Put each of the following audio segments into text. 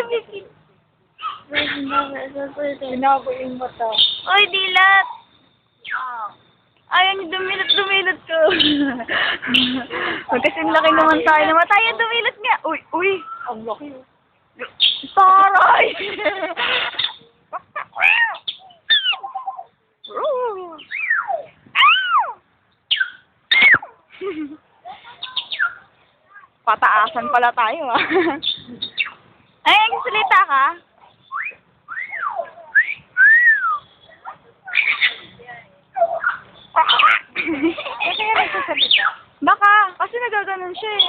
bikini. Binago yung mata. Oy, dilat! Ayaw niyo dumilot ko. Magkasing laki naman tayo na tayo dumilot nga. Uy, uy! Ang laki. Taray! Pataasan pala tayo, ah. Ay, nagsalita ka? Kasi nga nagsasalita. Baka, kasi nagaganon siya eh.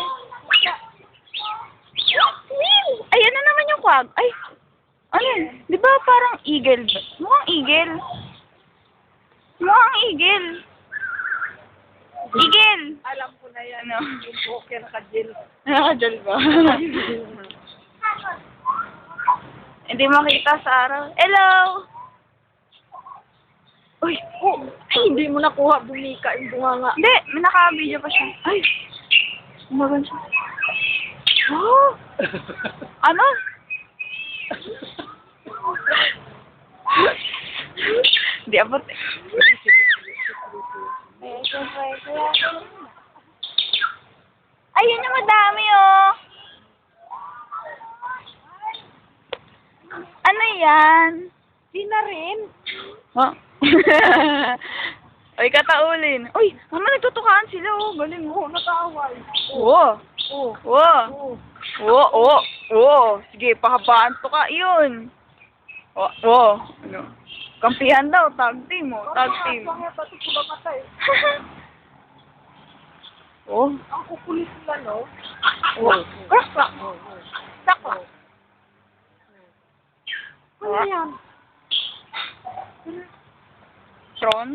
Ay, ano naman yung kwag? Ay, ano yun? Di ba parang eagle? Mukhang eagle. Mukhang eagle. Eagle! Alam ko na yan. Ano? Yung poker ka-gel. Nakakadal ba? Hindi makita sa araw. Hello! Uy! Oh, ay, hindi mo nakuha. Bumika yung bunganga. Hindi! May naka-video pa siya. Ay! Umagan siya. Oh! Ano? Hindi abot eh. Ayun yung madami oh! Ano yan? Di na rin. Huh? Uy, kataulin. Uy, mama, nagtutukaan sila oh. Galing mo. Oo, nakaaway. Oo. Oo. Oo. Oo. Oo, oo, oo. Sige, pahabaan to ka. Yun. Oo, oo. Ano? Kampihan daw, tag team mo. Tag team. Ang pati ko ba matay? Oh. Ang kukulit nila, no? Oh. Cross pa. Sakwa. Ano yan? Tron?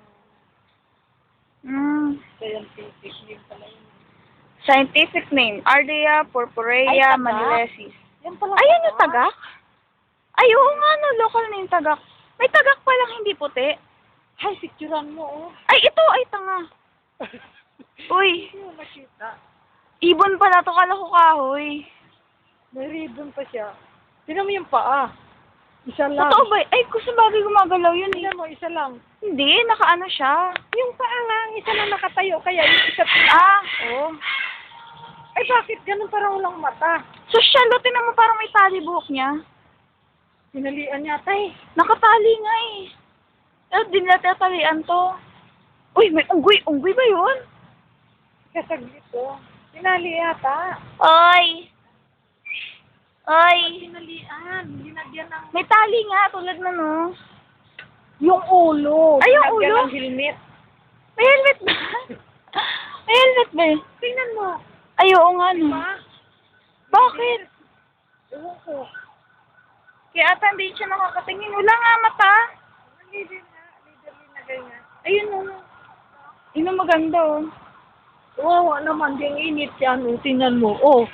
Scientific name pala yun. Scientific name, Ardea purpurea Ay, tagak? manilensis. Yan pala. Ayun yung tagak? Ay, oo nga no, local name tagak. May tagak pa lang hindi puti. Ay, picturean mo, oh. Ay, ito, ay tanga. Uy, Hindi mo nakita. ibon pala to, kala ko kahoy. May ribbon pa siya. Tingnan mo yung paa. Isa lang. Totoo ba? Ay, kung sa bagay gumagalaw yun eh. Tingnan mo, isa lang. Hindi, nakaano siya. Yung paa lang, isa lang nakatayo. Kaya yung isa Ah, oo. Ay, bakit ganun parang walang mata? So, siya, lo, tinan mo parang may tali buhok niya. Pinalian yata eh. Nakatali nga eh. Eh, di nila tatalian to. Uy, may unggoy. Unggoy ba yun? Kasaglit to. Pinali yata. Oy! Oy! Pinalian. Linagyan ng... May tali nga, tulad na no. Yung ulo. Ay, yung Linagyan ulo? ng helmet. May helmet ba? May helmet ba eh? Tingnan mo. Ay, oo nga no. Diba? Bakit? Ewan ko. Kaya ata hindi siya nakakatingin. Wala nga mata. Leader na ganyan. Ayun o. Yun ang maganda oh. Oo, naman. Yung init yan. Oh. Tingnan mo. Oh.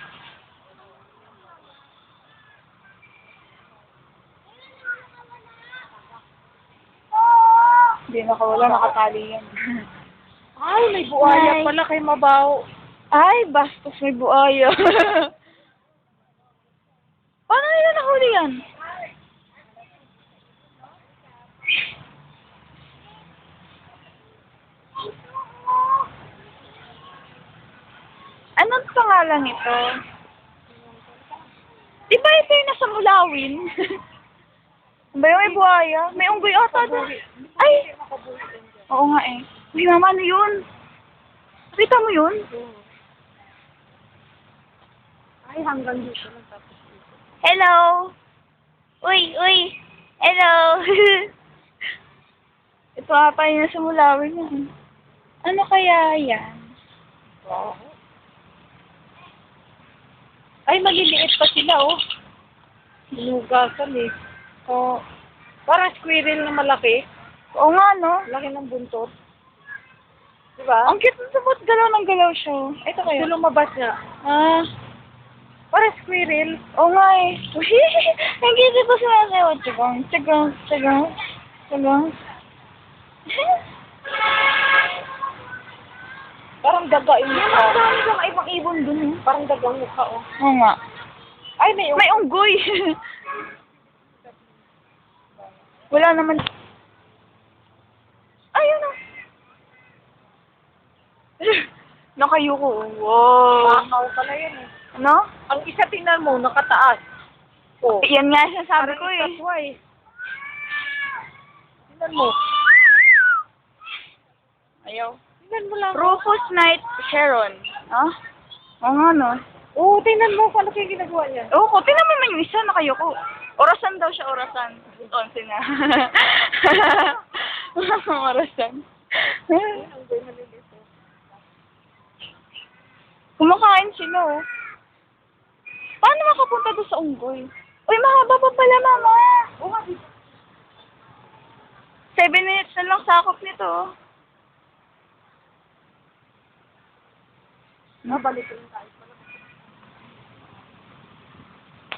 Hindi nakawala, nakatali yan. Ay, may buhaya Ay. pala kay Mabaw. Ay, bastos may buaya. Paano nila nahuli yan? Anong pangalan ito? Di ba ito yung nasa Mulawin? Ba yung may buhaya? May unggoy ata doon. Ay! Oo nga eh. Uy, mama, ano yun? Nakita mo yun? Ay, hanggang dito lang tapos dito. Hello! Uy, uy! Hello! Ito ata yung nasa Mulawin yan. Ano kaya yan? Wow. Ay, maliliit pa sila, oh. Binugasan eh. Oh, Parang squirrel na malaki. oo nga, no? Laki ng buntot. Diba? Ang cute na sabot, galaw ng galaw siya. Ito kayo. Ito lumabas niya. Ah, Parang squirrel. oo nga eh. Ang cute ko sumasayaw. Tsagang, tsagang, tsagang, tsagang. Parang daga yung mukha. Ang dami bang ibang ibon dun eh. Parang dagang mukha, oh. Oo nga. Ay, may May unggoy. Wala naman. Ayun na. Nakayuko. Wow. Bakaw pala yan eh. Ano? Ang isa tingnan mo, nakataas. Oh. Yan nga siya sabi ko eh. Kasway. Tingnan mo. Ayaw. Tingnan mo lang. Rufus Night Heron. Ah? Oo nga no. Oo, tingnan mo kung ano kayo ginagawa niya. Oo, tingnan mo naman yung isa, nakayuko. Orasan daw siya, orasan. 11 na. Orasan. Kumakain sila, oh. Paano makapunta doon sa unggoy? Uy, mahaba pa pala, mama. 7 minutes na lang sakop nito, oh. Nabalik ko tayo.